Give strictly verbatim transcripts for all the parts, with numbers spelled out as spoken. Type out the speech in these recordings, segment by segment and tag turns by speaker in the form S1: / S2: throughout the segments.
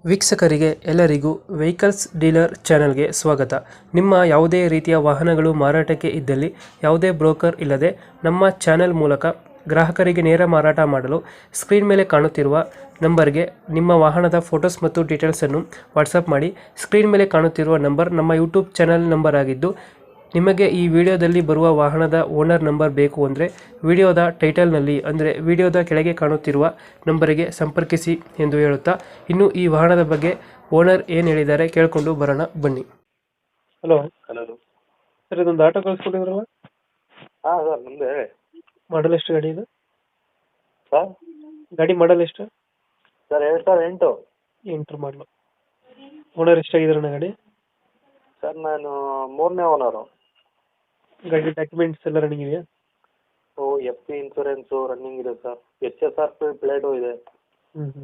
S1: ವೀಕ್ಷಕರಿಗೆ ಎಲ್ಲರಿಗೂ vehicles dealer ಚಾನೆಲ್ಗೆ ಸ್ವಾಗತ. ನಿಮ್ಮ ಯಾವುದೇ ರೀತಿಯ ವಾಹನಗಳು ಮಾರಾಟಕ್ಕೆ ಇದ್ದಲ್ಲಿ ಯಾವುದೇ ಬ್ರೋಕರ್ ಇಲ್ಲದೆ ನಮ್ಮ ಚಾನೆಲ್ ಮೂಲಕ ಗ್ರಾಹಕರಿಗೆ ನೇರ ಮಾರಾಟ ಮಾಡಲು ಸ್ಕ್ರೀನ್ ಮೇಲೆ ಕಾಣುತ್ತಿರುವ ನಂಬರ್ಗೆ ನಿಮ್ಮ ವಾಹನದ ಫೋಟೋಸ್ ಮತ್ತು ಡೀಟೇಲ್ಸನ್ನು ವಾಟ್ಸಪ್ ಮಾಡಿ. ಸ್ಕ್ರೀನ್ ಮೇಲೆ ಕಾಣುತ್ತಿರುವ ನಂಬರ್ ನಮ್ಮ ಯೂಟ್ಯೂಬ್ ಚಾನೆಲ್ ನಂಬರ್ ಆಗಿದ್ದು, ನಿಮಗೆ ಈ ವಿಡಿಯೋದಲ್ಲಿ ಬರುವ ವಾಹನದ ಓನರ್ ನಂಬರ್ ಬೇಕು ಅಂದರೆ ವಿಡಿಯೋದ ಟೈಟಲ್ನಲ್ಲಿ ಅಂದರೆ ವಿಡಿಯೋದ ಕೆಳಗೆ ಕಾಣುತ್ತಿರುವ ನಂಬರಿಗೆ ಸಂಪರ್ಕಿಸಿ ಎಂದು ಹೇಳುತ್ತಾ, ಇನ್ನು ಈ ವಾಹನದ ಬಗ್ಗೆ ಓನರ್ ಏನು ಹೇಳಿದ್ದಾರೆ ಕೇಳಿಕೊಂಡು ಬರೋಣ ಬನ್ನಿ. ಹಲೋ
S2: ಹಲೋ
S1: ಸರ್, ಇದೊಂದು ಆಟೋ ಕಳಿಸ್ಕೊಟ್ಟಿದ್ರಲ್ಲ,
S2: ಹಾಂ ಸರ್ ನಮ್ಮದೇ ಹೇಳಿ
S1: ಮಾಡಲ್ ಎಷ್ಟು ಗಾಡಿ ಇದು?
S2: ಸರ್
S1: ಗಾಡಿ ಮಾಡಲ್ ಎಷ್ಟು?
S2: ಸರ್ ಎರಡು ಸಾವಿರದ ಎಂಟು
S1: ಎಂಟ್ರ್ ಮಾಡಲು. ಓನರ್ ಎಷ್ಟಾಗಿದ್ದಾರೆ ಗಾಡಿ?
S2: ಸರ್ ನಾನು ಮೂರನೇ ಓನರು.
S1: ಗಾಡಿ ಡಾಕ್ಯುಮೆಂಟ್ಸ್ ಎಲ್ಲ ರನ್ನಿಂಗ್ ಇದೆಯಾ?
S2: ಓ ಎಫ್ ಸಿ ಇನ್ಸೂರೆನ್ಸು ರನ್ನಿಂಗ್ ಇದೆ sir. H S R P plate ಇದೆ.
S1: ಹ್ಞೂ ಹ್ಞೂ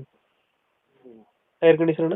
S1: tyre condition?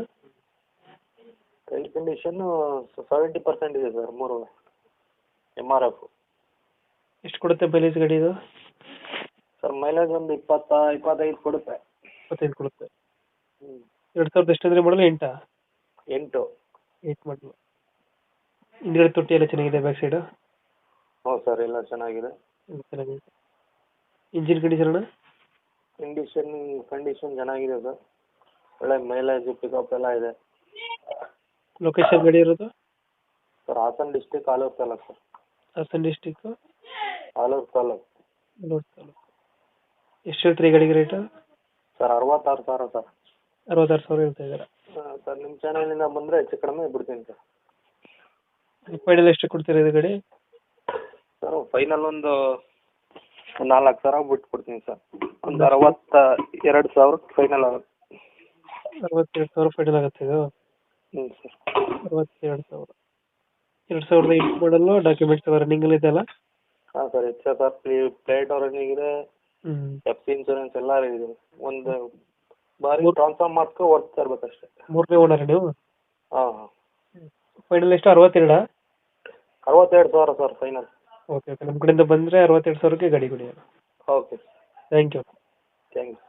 S2: Tyre condition seventy percent ಇದೆ ಸರ್. ಮೂರು ಎಮ್ ಆರ್ ಎಫ್.
S1: ಎಷ್ಟು ಕೊಡುತ್ತೆ ಮೈಲೇಜ್ ಗಾಡಿ ಇದು?
S2: ಸರ್ ಮೈಲೇಜ್ ಒಂದು ಇಪ್ಪತ್ತ ಇಪ್ಪತ್ತೈದು ಕೊಡುತ್ತೆ.
S1: ಇಪ್ಪತ್ತೈದು ಕೊಡುತ್ತೆ.
S2: ಹ್ಞೂ
S1: ಎರಡು ಸಾವಿರದ ಎಷ್ಟು ಅಂದರೆ ಮಾಡಲು? ಎಂಟಾ?
S2: ಎಂಟು.
S1: ಏಟ್ ಮಾಡಲು. ಹಿಂದ್ಗಡೆ ತೊಟ್ಟಿ ಎಲ್ಲ ಚೆನ್ನಾಗಿದೆ, ಬ್ಯಾಕ್ ಸೈಡು?
S2: ಹ್ಞೂ ಸರ್ ಎಲ್ಲ ಚೆನ್ನಾಗಿದೆ.
S1: ಎಲ್ಲ ಚೆನ್ನಾಗಿದೆ. ಇಂಜಿನ್ ಕಂಡೀಷನ್ ಅಣ್ಣ?
S2: ಕಂಡೀಷನ್ ಕಂಡೀಷನ್ ಚೆನ್ನಾಗಿದೆ ಸರ್. ಒಳ್ಳೆ ಮೈಲೇಜ್ ಪಿಕಪ್ ಎಲ್ಲ ಇದೆ.
S1: ಲೊಕೇಶನ್ ಗಾಡಿ ಇರೋದು?
S2: Sir Hassan district, Alur taluk sir.
S1: Hassan district,
S2: Alur taluk.
S1: Alur taluk. ಎಷ್ಟು ಹೇಳ್ತೀರಿ ಈ ಗಾಡಿಗೆ ರೇಟು?
S2: ಸರ್ ಅರವತ್ತಾರು ಸಾವಿರ ಸರ್.
S1: ಅರವತ್ತಾರು ಸಾವಿರ ಹೇಳ್ತಾ ಇದ್ದಾರೆ.
S2: ಹಾಂ ಸರ್, ನಿಮ್ಮ ಚಾನಲಿಂದ ಬಂದರೆ ಹೆಚ್ಚು ಕಡಿಮೆ ಬಿಡ್ತೀನಿ ಸರ್.
S1: ಫೈನಲ್ ಎಷ್ಟು ಕೊಡ್ತೀರಾ ಇದು ಗಾಡಿ?
S2: ಸರ್ ಫೈನಲ್ ಒಂದು ನಾಲ್ಕು ಸಾವಿರ ಬಿಟ್ಟು ಕೊಡ್ತೀನಿ ಸರ್. ಒಂದು ಅರವತ್ತ ಎರಡು ಸಾವಿರಕ್ಕೆ ಫೈನಲ್ ಆಗುತ್ತೆ.
S1: ಅರವತ್ತೆರಡು ಸಾವಿರ ಫೈನಲ್ ಆಗುತ್ತೆ ಇದು?
S2: ಹ್ಞೂ ಸರ್.
S1: ಅರವತ್ತೆರಡು ಸಾವಿರ. ಎರಡು ಸಾವಿರದ ಎಂಟು ಮಾಡಲು, ಡಾಕ್ಯುಮೆಂಟ್ಸ್ ಎಲ್ಲ ರನ್ನಿಂಗಲ್ಲಿ ಇದೆಯಲ್ಲ?
S2: ಹಾಂ sir, H S R play plate running ಇದೆ.
S1: ಹ್ಞೂ
S2: ಎಫ್ ಸಿ ಇನ್ಸೂರೆನ್ಸ್ ಎಲ್ಲ ಇದೆ. ಒಂದು ಬಾರಿ
S1: ಮೂರು-
S2: ಟ್ರಾನ್ಸ್ಫರ್ ಮಾಡ್ಕೊ ಓಡ್ತಾ ಇರ್ಬೇಕಷ್ಟೇ.
S1: ಮೂರನೇ ಓನರ್ ನೀವು?
S2: ಹಾಂ ಹಾಂ.
S1: ಫೈನಲ್ ಎಷ್ಟು? ಅರವತ್ತೆರಡಾ?
S2: ಅರವತ್ತೆರಡು ಸಾವಿರ ಸರ್ ಫೈನಲ್.
S1: ಓಕೆ ಓಕೆ ನಮ್ಮ ಕಡೆಯಿಂದ ಬಂದರೆ ಅರವತ್ತೆರಡು ಸಾವಿರಕ್ಕೆ ಗಾಡಿ ಕೊಡಿ.
S2: Okay
S1: thank you.
S2: Thank you.